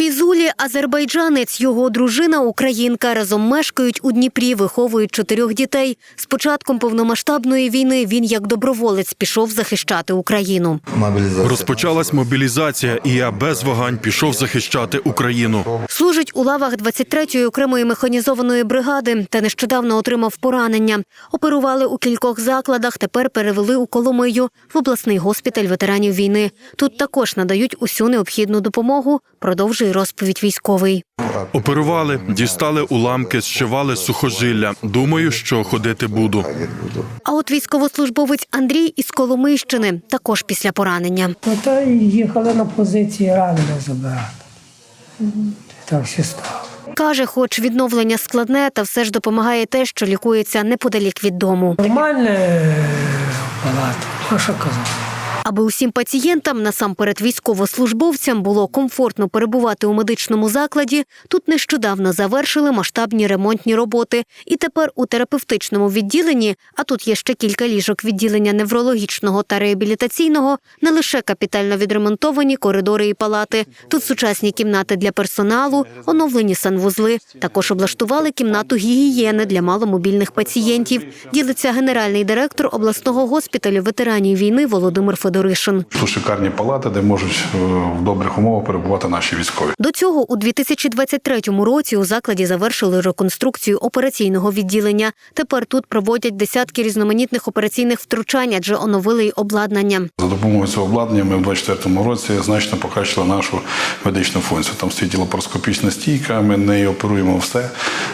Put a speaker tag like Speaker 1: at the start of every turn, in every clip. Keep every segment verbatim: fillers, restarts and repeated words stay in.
Speaker 1: Фізулі – азербайджанець, його дружина – українка. Разом мешкають у Дніпрі, виховують чотирьох дітей. З початком повномасштабної війни він як доброволець пішов захищати Україну.
Speaker 2: Розпочалась мобілізація, і я без вагань пішов захищати Україну.
Speaker 1: Служить у лавах двадцять третьої окремої механізованої бригади та нещодавно отримав поранення. Оперували у кількох закладах, тепер перевели у Коломию, в обласний госпіталь ветеранів війни. Тут також надають усю необхідну допомогу, продовжує розповідь військовий.
Speaker 2: Оперували, дістали уламки, зшивали сухожилля. Думаю, що ходити буду.
Speaker 1: А от військовослужбовець Андрій із Коломийщини також після поранення.
Speaker 3: Та їхали на позиції ранених забирати. Так все стало.
Speaker 1: Каже, хоч відновлення складне, та все ж допомагає те, що лікується неподалік від дому.
Speaker 3: Нормальне палата, а що казати.
Speaker 1: Аби усім пацієнтам, насамперед військовослужбовцям, було комфортно перебувати у медичному закладі, тут нещодавно завершили масштабні ремонтні роботи. І тепер у терапевтичному відділенні, а тут є ще кілька ліжок відділення неврологічного та реабілітаційного, не лише капітально відремонтовані коридори і палати. Тут сучасні кімнати для персоналу, оновлені санвузли. Також облаштували кімнату гігієни для маломобільних пацієнтів. Ділиться генеральний директор обласного госпіталю ветеранів війни Володимир Федоришин.
Speaker 4: Тут шикарні палати, де можуть в добрих умовах перебувати наші військові.
Speaker 1: До цього у дві тисячі двадцять третьому році у закладі завершили реконструкцію операційного відділення. Тепер тут проводять десятки різноманітних операційних втручань, адже оновили й обладнання.
Speaker 4: За допомогою цього обладнання ми в двадцять четвертому році значно покращили нашу медичну функцію. Там стоїть лапароскопічна стійка, ми нею оперуємо все.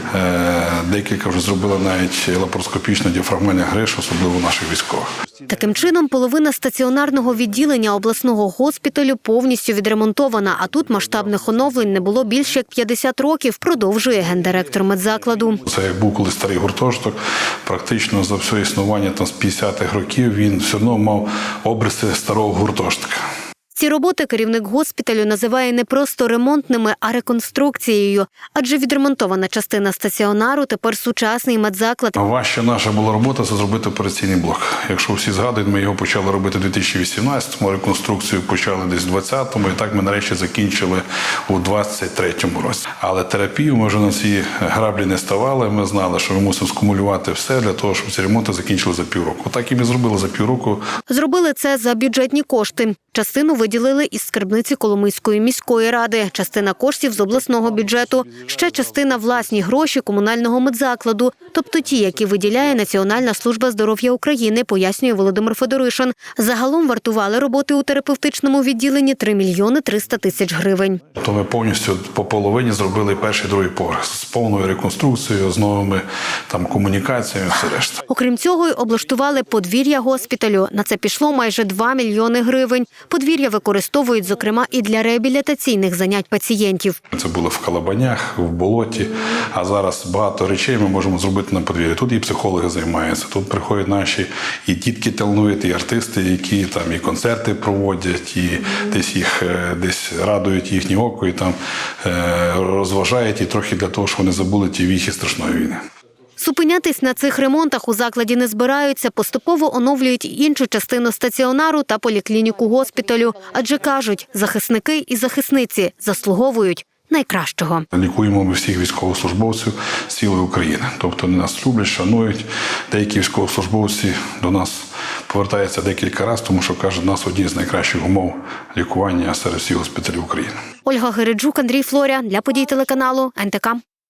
Speaker 4: Декілька вже зробили навіть лапароскопічну діафрагмальну гриж, особливо наших військових.
Speaker 1: Таким чином, половина стаціонарного відділення обласного госпіталю повністю відремонтована, а тут масштабних оновлень не було більше як п'ятдесят років, продовжує гендиректор медзакладу.
Speaker 4: Це як був колись старий гуртожиток, практично за все існування там, з п'ятдесятих років він все одно мав обриси старого гуртожитка.
Speaker 1: Ці роботи керівник госпіталю називає не просто ремонтними, а реконструкцією. Адже відремонтована частина стаціонару тепер сучасний медзаклад.
Speaker 4: Важча наша була робота – це зробити операційний блок. Якщо всі згадують, ми його почали робити у дві тисячі вісімнадцятому, реконструкцію почали десь у двадцятому, і так ми нарешті закінчили у двадцять третьому році. Але терапію ми вже на ці граблі не ставали. Ми знали, що ми мусимо скумулювати все для того, щоб ці ремонти закінчили за півроку. Так і ми зробили за півроку.
Speaker 1: Зробили це за бюджетні кошти. Частину виділили із скарбниці Коломийської міської ради, частина коштів з обласного бюджету, ще частина власні гроші комунального медзакладу, тобто ті, які виділяє Національна служба здоров'я України, пояснює Володимир Федоришин. Загалом вартували роботи у терапевтичному відділенні три мільйони триста тисяч гривень.
Speaker 4: То ми повністю по половині зробили перший, другий поверх з повною реконструкцією, з новими там комунікаціями, все решта.
Speaker 1: Окрім цього, й облаштували подвір'я госпіталю. На це пішло майже два мільйони гривень. Подвір'я використовують, зокрема, і для реабілітаційних занять пацієнтів.
Speaker 4: Це було в Калабанях, в болоті, а зараз багато речей ми можемо зробити на подвір'ї. Тут і психологи займаються, тут приходять наші і дітки талановиті, і артисти, які там і концерти проводять, і десь їх десь радують їхнє око, і там розважають, і трохи для того, щоб вони забули ті віхи страшної війни.
Speaker 1: Зупинятись на цих ремонтах у закладі не збираються, поступово оновлюють іншу частину стаціонару та поліклініку госпіталю. Адже кажуть, захисники і захисниці заслуговують найкращого.
Speaker 4: Лікуємо ми всіх військовослужбовців з цілої України. Тобто вони нас люблять, шанують. Деякі військовослужбовці до нас повертаються декілька разів, тому що, кажуть, у нас одні з найкращих умов лікування серед всіх госпіталів України.
Speaker 1: Ольга Гереджук, Андрій Флоря. Для подій телеканалу ен те ка.